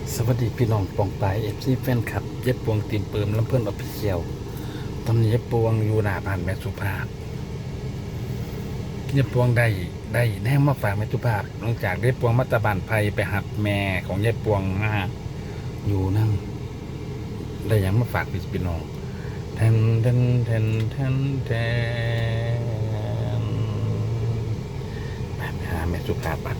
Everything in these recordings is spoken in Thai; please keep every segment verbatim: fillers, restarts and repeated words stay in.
สวัสดีพี่น้องปองปายเอฟซีแฟนคลับเย็บปวงตีนเปิมลำเพื่อนออฟฟิเชียลตอนนี้เย็บปวงอยู่หน้าบ้านแม่สุภาพเย็บปวงได้ได้แน่มาฝากแม่สุภาพหลังจากได้ปวงมัตตบานไพไปหับแม่ของเย็บปวงมาอยู่นั่งได้ยังมาฝากพี่น้องแทนแทนแทนแทนแทนไปหาแม่สุภาพบัด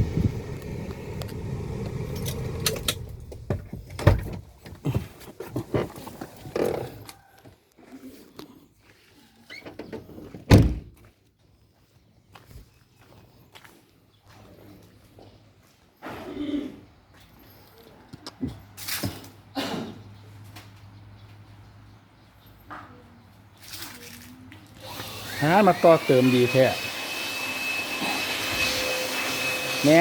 หามาต่อเติมดีแท้แม่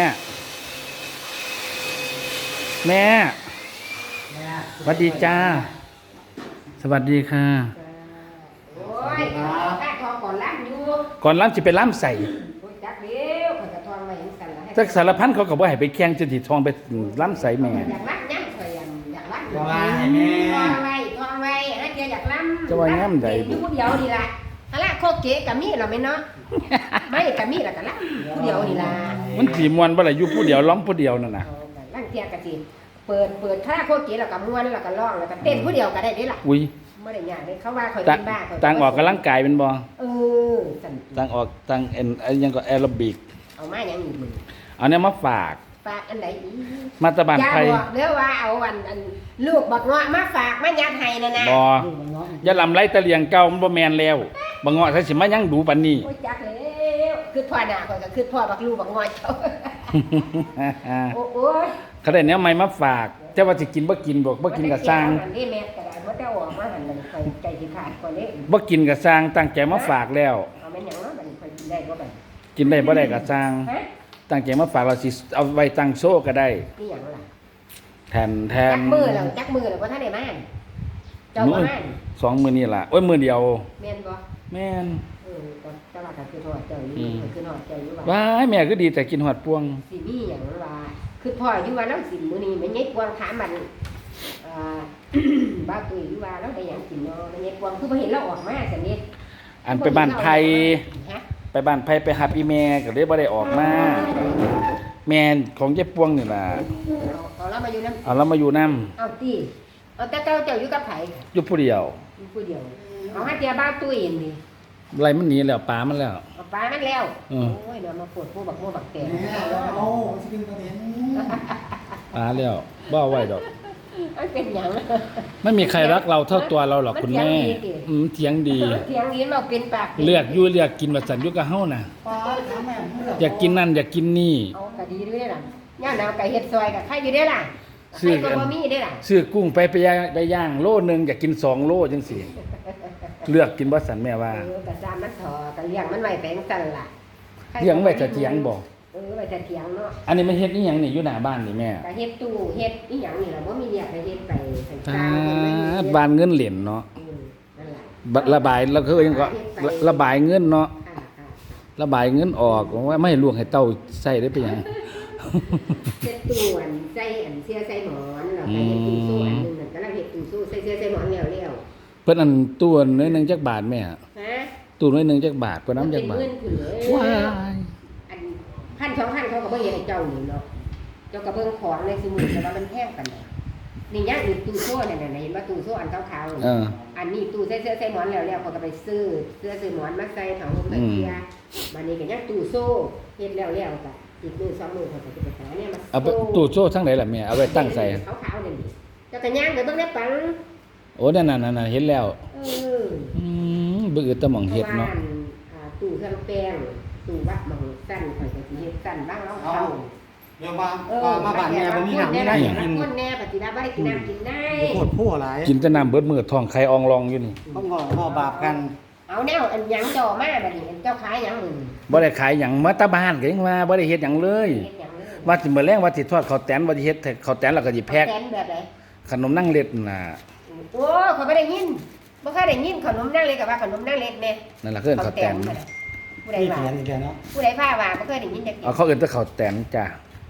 แม่สวัสดีจ้าสวัสดีค่ะโอ้ยข้าทองก่อนล้ำอยู่ก่อนล้ำจะไปล้ำใส่จักเดียวข้าจะทองมาเห็นกันละจักสารพันเขาก็บ่ให้ไปแข่งจะติทองไปล้ำใส่แม่อยากล้ำยังเคยอยากล้ำทองไว้ทองไว้ฮะเจ้าอยากล้ำจะว่าย่ำใดอยู่ผู้เดียวนี่ละฮะละโคเกะกับมีเราไม่เนาะไม่กับมีละกันล้ำผู้เดียวนี่ละมันสีมวนบ่ล่ะอยู่ผู้เดียวล้อมผู้เดียวนั่นน่ะล้ำเทียกะสิเปิดเปิดคาราโคเกะแล้วก็ม้วนแล้วก็ร้องแล้วก็เต้นผู้เดียวก็ได้เด้ล่ะอุ้ยไม่ได้ยากเลยเขาว่าเขาเป็นบ้าต่างออกกำลังกายเป็นบ่เออต่างออกต่างเอ็นยังก็แอโรบิกเอามาอย่างนี้มึงเอาเนี่ยมาฝากฝากอันไหนอีมาตะบานไทยอย่าบอกเด้อว่าเอาอันอันลูกบักเงาะมาฝากมายัดให้นั่นน่ะบ่อย่าลำไรตะเลียงเก่ามันบ่แม่นแล้วบักเงาะซะสิมายังดูปานนี้โอ้ยจักแล้วคือพ่อหน้าข่อยก็คือพ่อบักลูกบักเงาะเจ้าโอ้ยเขาได้แนวใหม่มาฝากแต่ว่าสิกินบ่กินบ่บ่กินก็สร้างนี่แม่ก็ได้บ่ได้ออกมาหั่นมันข่อยใจสิขาดก่อนเด้บ่กินก็สร้างตั้งใจมาฝากแล้วเอาแม่นหยังเนาะบัดนี้ข่อยกินได้บ่บัดกินได้บ่ได้ก็สร้างตั้งใจมาฝากเราสิเอาไว้ตั้งโซ่ก็ได้นี่หยังล่ะแทนแทนจักมือแล้วจักมือแล้วบ่ทันได้มาเจ้าบ่มาสองมื้อนี่ล่ะโอ้ยมื้อเดียวแม่นบ่แม่นเออแต่ว่าก็คือทอดเจ้าอยู่คือทอดเจ้าอยู่ว่าว้ายแม่คือดีแต่กินฮอดพวงสิมีหยังว่าคือพ่ออยู่ว่าแล้วสิมื้อนี้แม่ใหญ่พวงถามมันอ่าบ้าตุ้ยอยู่ว่าแล้วได้หยังกินเนาะแม่ใหญ่พวงคือบ่เห็นเราออกมาซั่นนี่อันไปบ้านไผไปบ้านไผไปหาอีแม่ก็เลยบ่ได้ออกมาแม่ของเจ๊ปวงนี่ล่ะเอาเรามาอยู่นำเอาเรามาอยู่นำเอาติเอาแต่เจ้าเจ้าอยู่กับไผอยู่ผู้เดียวอยู่ผู้เดียวเอาหาเตียบ้าตุ้ยนี่ไรมันหนีแล้วปลามันแล้วปลามันแล้วโอ้ยเดี๋ยวมาปวดผู้บักโมบักแตงโอ้สิเป็นประเด็นปลาแล้วบ่เอาไว้ดอกมันเป็นหยังไม่มีใครรักเราเท่าตัวเราหรอกคุณแม่อืมเถียงดีเถียงดีเราเป็นปากเลือกอยู่เลือกกินว่าสันอยู่กับเฮาน่ะอยากกินนั่นอยากกินนี่เอาก็ดีด้วยล่ะย่าหนาวไก่เฮ็ดซอยกับใครอยู่ได้ล่ะซื้อก็บ่มีได้ล่ะซื้อกุ้งไปไปได้ย่างโลนึงอยากกินสองโลจังซี่เลือกกินบ่สันแม่ว่าเออก็จามมันถอก็เลี้ยงมันไว้แปลงสั่นล่ะเลี้ยงไว้จะเถียงบ่เออไว้จะเถียงเนาะอันนี้มันเฮ็ดอีหยังนี่อยู่หน้าบ้านนี่แม่ก็เฮ็ดตู้เฮ็ดอีหยังนี่ล่ะบ่มีเรียกให้เฮ็ดไปสร้างบ้านเงินเหรียญเนาะนั่นล่ะระบายแล้วคือยังก็ระบายเงินเนาะระบายเงินออกว่าไม่ให้ลวงให้เต้าใส่ได้ไปหยังเฮ็ดตู้อันใส่อันเสื้อใส่หมอนแล้วก็เฮ็ดตู้โซ่อันนึงนั่นกำลังเฮ็ดตู้โซ่ใส่เสื้อใส่หมอนแล้วๆเพิ่นอันตู้น้อยนึงจักบาทแม่ฮะตู้น้อยนึงจักบาทเพิ่นนำจักบาทว้ายอันพันสองพันเขาก็บ่เฮ็ดให้เจ้านี่เนาะเจ้าก็เบิ่งของในสมุดแต่ว่ามันแพงปานใดนี่ยังอีกตู้โซ่นั่นน่ะเห็นบ่ตู้โซ่อันขาวๆเอออันนี้ตู้ใส่เสื้อใส่หมอนแล้วๆเขาก็ไปซื้อเสื้อซื้อหมอนมาใส่ถังลมตะเกียบัดนี้ก็ยังตู้โซ่เฮ็ดแล้วๆก็อีกมื้อสองมื้อเขาก็จะไปหาเนี่ยมาเอาตู้โซ่ทั้งไหนล่ะแม่เอาไว้ตั้งใส่ขาวๆนั่นนี่เจ้าก็ย่างไปเบิ่งได้ปังโอ้นั่นน่ะๆเห็นแล้วเอออืมบ่อึดตะหม่องเฮ็ดเนาะอ่าตู้เครื่องแป้งตู้วัดหม่องสั้นข่อยก็สิเฮ็ดสั้นบ้างแล้วเข้าเดี๋ยวมามาบ้านแม่บ่มีน้ำไม่ได้กินคนแน่ปฏิบัติบ่ได้กินน้ำกินได้โคตรผู้หลายกินแต่น้ำเบิดมื้อท้องไข่อองรองอยู่นี่ต้องงอบ่บาปกันเอาแนวอันหยังจ่อมาบัดนี้เจ้าขายหยังมึงบ่ได้ขายหยังมาตะบ้านก็ยังว่าบ่ได้เฮ็ดหยังเลยว่าสิมื้อแลงว่าสิทอดข้าวแตนว่าสิเฮ็ดข้าวแตนแล้วก็สิแพ็คแตนแบบใดขนมนั่งเล็ดน่ะโอ้เขาบ่ได้ยินบ่เคยได้ยินขนมนั่งเล็ดก็ว่าขนมนั่งเล็ดแน่นั่นล่ะคือข้าวแตนผู้ใดว่าผู้ใดพาว่าบ่เคยได้ยินจักเอาเขาเอิ้นแต่ข้าวแตนจ้ะเ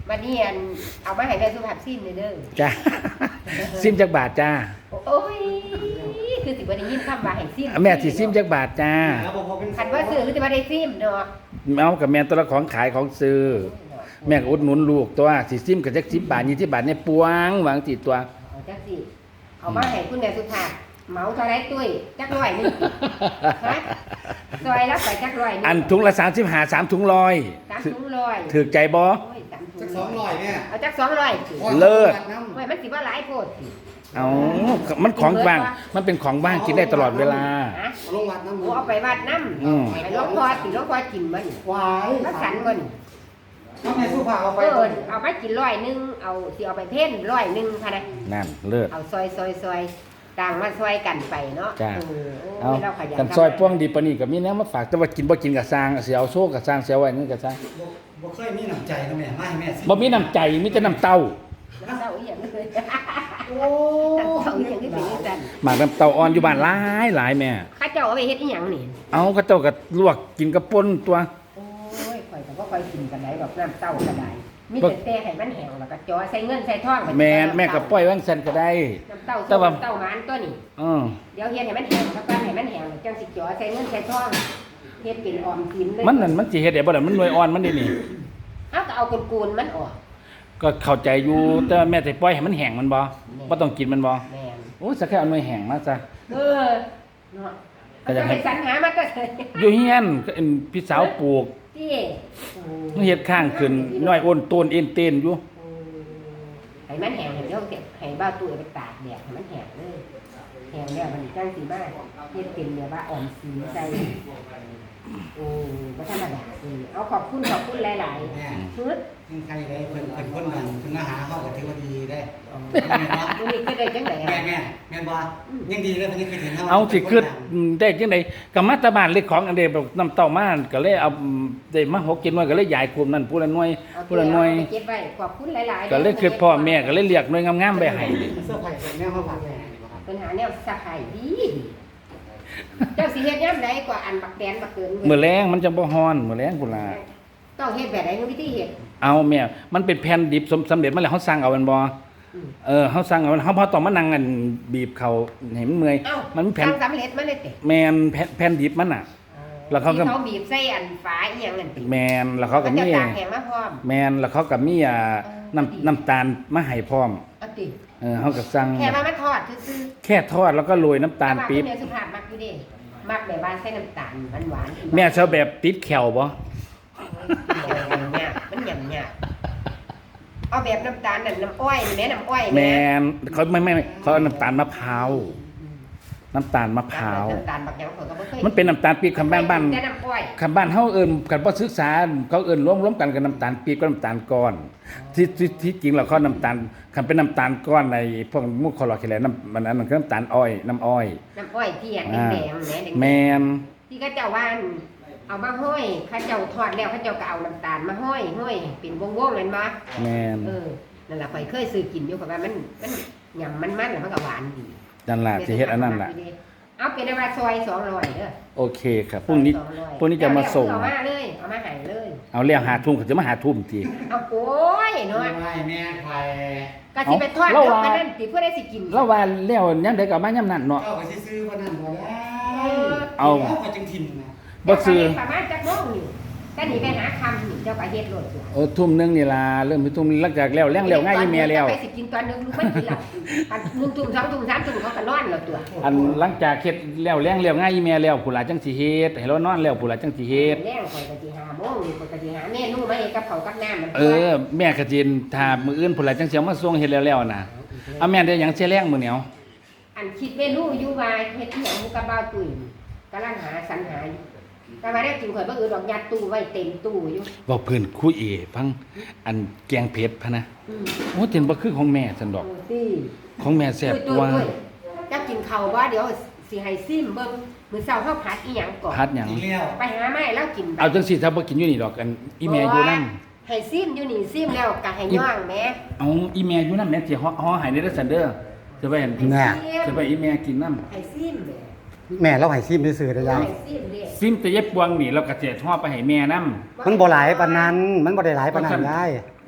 วันนี้อันเอามาให้แม่สุภาพซิมเลยเด้อจ้า ซิมจักบาทจ้าโอ้ยคือสิบ่ได้ยินคำว่าให้ซิมแม่สิซิมจักบาทจ้าแล้วบอกว่าเป็นคันว่าซื้อคือสิบ่ได้ซิมเนาะเอากับแม่ตัวละของขายของซื้อแม่ก็อุดหนุนลูกตัวสิซิมกับจักสิบบาทยี่สิบบาทเนี่ยปวงหวังติดตัวเอาจักสิเอามาให้คุณแม่สุภาพเหมาเท่าไรตุ้ยจักร้อยหนึงฮะซอยรับไปจักร้อยหนึงอันถุงละสามสิบหาสามถุงลอยสามถุงร้อยถือใจบ่โอ้ยสามถุจังกสองร้อยแม่เอาจักสองร้อยสิเลิศโอ้ยมันสิว่าหลายโพดสิเอามันของว่างมันเป็นของว่างกินได้ตลอดเวลาฮะเอาลงวัดน้ำโอ้เอาไปวัดน้ำอืมไปหลวงพ่อสิหลวงพ่อกินมันวายรักสันมันเอาแม่สู้ผ่าเอาไปเออเอาไปกินร้อยหนึงเอาสิเอาไปเพ่นร้อยหนึงค่ะนะนั่นเลิศเอาซอยซอยซอยต่างมาซอยกันไปเนาะจ้าเออโอ้เอายเราขยันกันซอยป้วงดีปานนี้ก็มีแนวมาฝากแต่ว่ากินบ่กินก็สร้างสิเอาโซ่ก็สร้างเสียไว้นี่ก็สร้างบ่บ่เคยมีน้ำใจนะแม่มาให้แม่สิบ่มีน้ำใจมีแต่น้ำเต้าน้ำเต้าอีหยังเลยโอ้น้ำเต้าอีหยังที่เป็นจังซั่นหมากน้ำเต้าอ่อนอยู่บ้านหลายหลายแม่ข้าเจ้าเอาไปเฮ็ดอีหยังนี่เอาก็เจ้าก็ลวกกินกับป่นตัวโอ้ยข่อยก็บ่ค่อยกินกันได้ดอกน้ำเต้าก็ได้มีแต่แต่ให้มันแห้งแล้วก็จ่อใส่เงินใส่ทองไปแม่แม่ก็ปล่อยว่างซั่นก็ได้น้ำเต้าแต่ว่าน้ำเต้าหวานตัวนี้เออเดี๋ยวเฮ็ดให้มันแห้งสักวันให้มันแห้งแล้วจังสิจ่อใส่เงินใส่ทองเฮ็ดเป็นออมสินเลยมันนั่นมันสิเฮ็ดได้บ่ล่ะมันหน่วยอ่อนมันนี่นี่เอาก็เอากูนๆมันออกก็เข้าใจอยู่แต่ว่าแม่สิปล่อยให้มันแห้งมันบ่บ่ต้องกินมันบ่แม่นโอ้สักแค่เอาหน่วยแห้งมาซะเออเนาะก็อยากให้ให้สรรหามาก็ได้อยู่เฮียนก็เอ็นพี่สาวปลูกที่โอ้มันเฮ็ดข้างขึ้นน้อยอ้นต้นเอ็นเต้นอยู่โอ้ให้มันแห้งให้เดี๋ยวเก็บให้บ้าวตู้เอาไปตากแดดให้มันแห้งเลยแห้งแล้วมันจังสิมาเฮ็ดเป็นแบบว่าออมสินใส่โอ้บ่ธรรมดาเออเอาขอบคุณขอบคุณหลายแม่ๆชุดยังใครได้เพิ่นเพิ่นคนนั้นเพิ่นมาหาเฮาก็ถือว่าดีได้มื้อนี้คือได้จังได๋แม่อ่ะแม่แม่นบ่ยังดีเลยเพิ่นยังเคยเห็นเฮาเอาสิคือได้จังได๋ก็มาแตะบ้านเล็กของอันเดแบบน้ำเต้ามาก็เลยเอาได้มาหกกินหน่วยก็เลยยายกลุ่มนั้นผู้ละหน่วยผู้ละหน่วยเอาไปเก็บไว้ขอบคุณหลายๆก็เลยคือพ่อแม่ก็เลยเรียกหน่วยงามๆไปให้เสื้อผ้าใส่แม่มาฝากแม่นี่บ่ครับปัญหาแนวสะพายดีเจ้าสิเฮ็ดยามใดกว่าอันบักแดนบักเกินมื้อแรงมันจังบ่ฮ้อนมื้อแรงพุ่นล่ะต้องเฮ็ดแบบใดวิธีเฮ็ดเอาแม่มันเป็นแผ่นดิบสำสำเร็จมาแล้วเฮาสั่งเอามันบ่อืมเออเฮาสั่งเอาเฮาบ่ต้องมานั่งกันบีบเขาให้มันเมื่อยเอ้ามันแผ่นทำสำเร็จมาเลยติแม่นแผ่นแผ่นดิบมันน่ะ แล้วเขาก็ที่เขาบีบใส่อันฝาอีหยังนั่นติแม่นแล้วเขาก็จะมีตากแห้งมาพร้อมแม่นแล้วเขาก็มีอ่าเออน้ำน้ำตาลมาให้พร้อมเอาติเออเขาก็สั่งแค่ว่ามันทอดซื่อแค่ทอดแล้วก็โรยน้ำๆตาลปี๊บแต่ว่คุณแม่สุภาพมักอยู่เด้มักแบบว่าใส่น้ำตาลหวานๆแม่ชอบแบบติดแขวบ่เนี่ยมันหยำเนี่ยเอาแบบน้ำตาลนั่นน้ำอ้อยนี่แม่น้ำอ้อยแม่นเขาไม่ไม่ไม่เขาเอาน้ำตาลมะพร้าวน้ำตาลมะพร้าวน้ำตาลบักหยังเขาก็บ่เคยมันเป็นน้ำตาลปี๊บคำบ้านบ้านแต่น้ำอ้อยคำบ้านเฮาเอิ้นกันบ่ศึกษาเขาเอิ้นรวมรวมกันกับน้ำตาลปี๊บกับน้ำตาลก้อนที่ที่ที่จริงแล้วเขาน้ำตาลคันเป็นน้ำตาลก้อนในพวกมุกคอลลาเจนน้ำมันนั้นมันคือน้ำตาลอ้อยน้ำอ้อยน้ำอ้อยที่อันอ่าแดงๆแหม่แดงๆแม่นที่เขาเจ้าว่าเอามาห้อยเขาเจ้าทอดแล้วเขาเจ้าก็เอาน้ำตาลมาห้อยห้อยเป็นวงๆนั่นบ่แม่นเออนั่นล่ะข่อยเคยซื้อกินอยู่เพราะว่ามันมันหยำมันมันแล้วมันก็หวานดีนั่นล่ะสิเฮ็ดอันนั้นล่ะเอาเป็นว่าซอยสองร้อยเด้อโอเคครับพรุ่งนี้ซอยสอร้อยพรุ่งนี้จะมาส่งเอามาเลยเอามาให้เลยเอาแล้วหาทุ่มเขาจะมาหาทุ่มทีเอาโอ้ยเนาะไม่แม่ใครก็สิไปทอดเอาเดี๋ยวเราว่ากันนั่นสิเพื่อได้สิกินแล้วว่าแล้วยังได้กลับมายามนั้นเนาะเจ้าก็สิซื้อคนนั้นบ่ได้เอาเอาก็จังถิ่นนะบ่ซื้อประมาณจักโมงนี่ก็หนีไปหาคำนี่เจ้าก็เฮ็ดโลดตัวโอ้ทุ่มหนึงนี่ล่ะเริ่มไปทุ่มหลังจากแล้วแรงแล้วง่ายอีเมียแล้วไปสิกินตอนนึงมันกินหลับอันหนึ่งทุ่มสองทุ่มสามทุ่มเขาก็นอนแล้วตัวอันหลังจากเฮ็ดแล้วแรงแล้วง่ายอีเมียแล้วผู้หลายจังสิเฮ็ดให้เรานอนแล้วผู้หลายจังสิเฮ็ดแรงข่อยก็สิหาโมงนี่ข่อยก็สิหาเมนูมาเฮ็ดกับข้าวกับน้ำมันเออแม่ก็จินถ้ามื้ออื่นผู้หลายจังสิเอามาส่งเฮ็ดแล้วแล้วน่ะเอาแม่ได้หยังเสียแรงมื้อเหนียวอันคิดเมนูอยู่ว่าเฮ็ดอีหยังกับบ่าวตุ้ยกำลังหาสรรหาอยู่แต่ว่าได้กินข่อยบ่อื่นดอกยัดตู้ไว้เต็มตู้อยู่เว้าเพิ่นคุยเอฟังอันแกงเผ็ดพะนะอืมโอ้เต็นบ่คือของแม่ซั่นดอกเออสิของแม่แซ่บกว่าตุ้ยๆจะกินข้าวบ่เดี๋ยวสิให้ซิมเบิ่งมื้อเช้าเฮาผัดอีหยังก่อนพัดหยังอีกแล้วไปหาไม้แล้วกินไปเอาจังสิถ้าบ่กินอยู่นี่ดอกอันอีแม่อยู่นำให้ซิมอยู่นี่ซิมแล้วก็ให้ย่างแหม่เอาอีแม่อยู่นำแม่สิฮ้อฮ้อให้ในเด้อซั่นเด้อจะไปเห็นแน่จะไปอีแม่กินนำให้ซิมแหม่แม่เราให้ซิมซื่อๆได้ยังให้ซิมเด้ซิมแต่เย็บปวงนี่เราก็สิฮ้อไปให้แม่นำมันบ่หลายปานนั้น มันบ่ได้หลายปานนั้นได้โอ้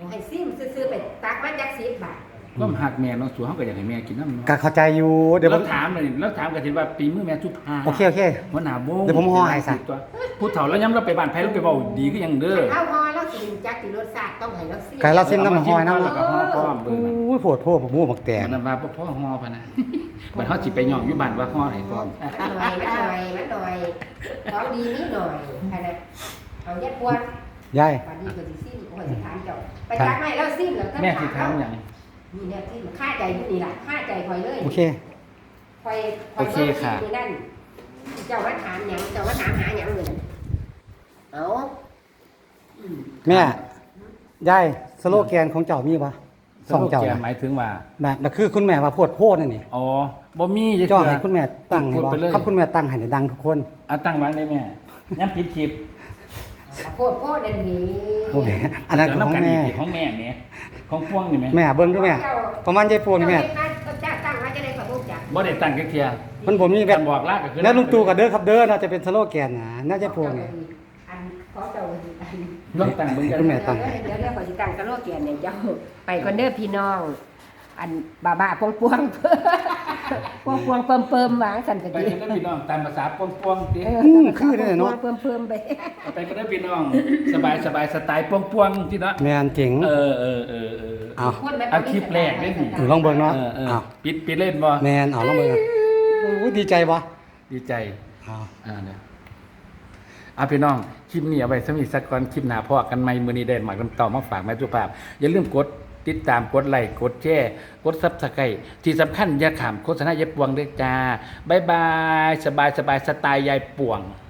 ให้ซิมซื้อๆไปตักมาจักสิบบาทก็หักแม่เนาะสู่เฮาก็อยากให้แม่กินน้ำเนาะก็เข้าใจอยู่เดี๋ยวผแล้มวถามเลยแล้วถามกันสิว่าปีมือแม่สุภาโอเคโอเคหัวหน้าโบงเดี๋ยวผมห่อให้ซะตัวผู้เฒ่าแล้วย้ำเราไปบ้านไผเราไปเว้าดีก็ยังเด้อเอาฮอแล้วสิจักสิรสชาติต้องให้เราซิมไก่เราซิมน้ำมันหอยน้ำแล้วก็ห่อพร้อมเบิ่งนั่นโอ้ยโผดโพผมมูหมักแตงมันนั้นว่าบ่พอห่อพะนะบัดเฮาสิไปย่องอยู่บ้านว่าห่อให้พร้อมมันหน่อยมันหน่อยมันหน่อยของดีนิดหน่อยอันนั้นเอาแยกปวดยายปานนี้ก็สิซิมโอ้ยสิถามเจ้าไปจักให้แล้วซิมแล้วแม่สิถามหยังนี่เนี่ยที่มันค่าใจอยู่นี่ล่ะค่าใจคอยเลยโอเคคอยคอยบิ่งอยู่นั่นเจ้าว่าถามหยังเจ้าว่าถามหาหยังเลยเอาอืมแม่ยายสโลแกนของเจ้ามีปะสองเจ้าสโลแกนน่ะหมายถึงว่าแบบนั่นคือคุณแม่ว่าโพดโพดนั่นนี่อ๋อบ่มีจะจ้อเชื่อให้คุณแม่ตั้งให้พูดบ่ไปเลยครับคุณแม่ตั้งให้ดังทุกคนเอาตั้งวางได้แม่ย้ำผิดคลิปโคตรโคตรอันนี้โอเคอันนั้นของแม่เดี๋ยวน้ำกันอีกของแม่แม่ของพวงนี่แม่แม่เบิ่งดูแม่ประมาณยายพวงนี่แม่จ้าตั้งไว้จะได้ขอบุกจ้ะบ่ได้ตั้งจักเที่ยมันผมมีแบแบบ บบอกลาก็คือแล้วลุงตู่กับเด้อครับเด้อน่าจะเป็นสโลแกนนะน่าจะพวงนี่อันขอเจ้าอันลองตั้งเบิ่งกันคุณแม่ ตั้งเดี๋ยวเดี๋ยวขอสิตั้งกระโลกแกนเนี่ยเจ้าไปคนเด้อพี่น้อง อันบ้าบ้าปวงปวงปวงปวงเปิมเปิมหวางสันกะไปดีกันเด้อพี่น้องตามภาษาปวงๆติอืมคือเนี่ยเนาะเปิมเปิมไปไปกันเด้อพี่น้อง สบายสบายสไตล์ปวงๆติเนาะแม่นเจ๋งเออเออเออเออเอาเอาคลิปแรกเด้อนี่เออลองเบิ่งเนาะเออเออเอาปิดปิดเล่นบ่แม่นเอาลองเบิ่งโอ้ยดีใจบ่ดีใจเอาอ่าเนี่ยเอาพี่น้องคลิปนี้เอาไว้สมิสักก่อนคลิปหน้าพอกันใหม่มื้อนี้ได้หมักน้ำเต่ามาฝากแม่สุภาพอย่าลืมกดติดตามกดไลค์กดแชร์กด Subscribe ที่สำคัญอย่าขามโฆษณายายปวงด้วยจ้าบ๊ายบายสบายสบายสไตล์ยายปวง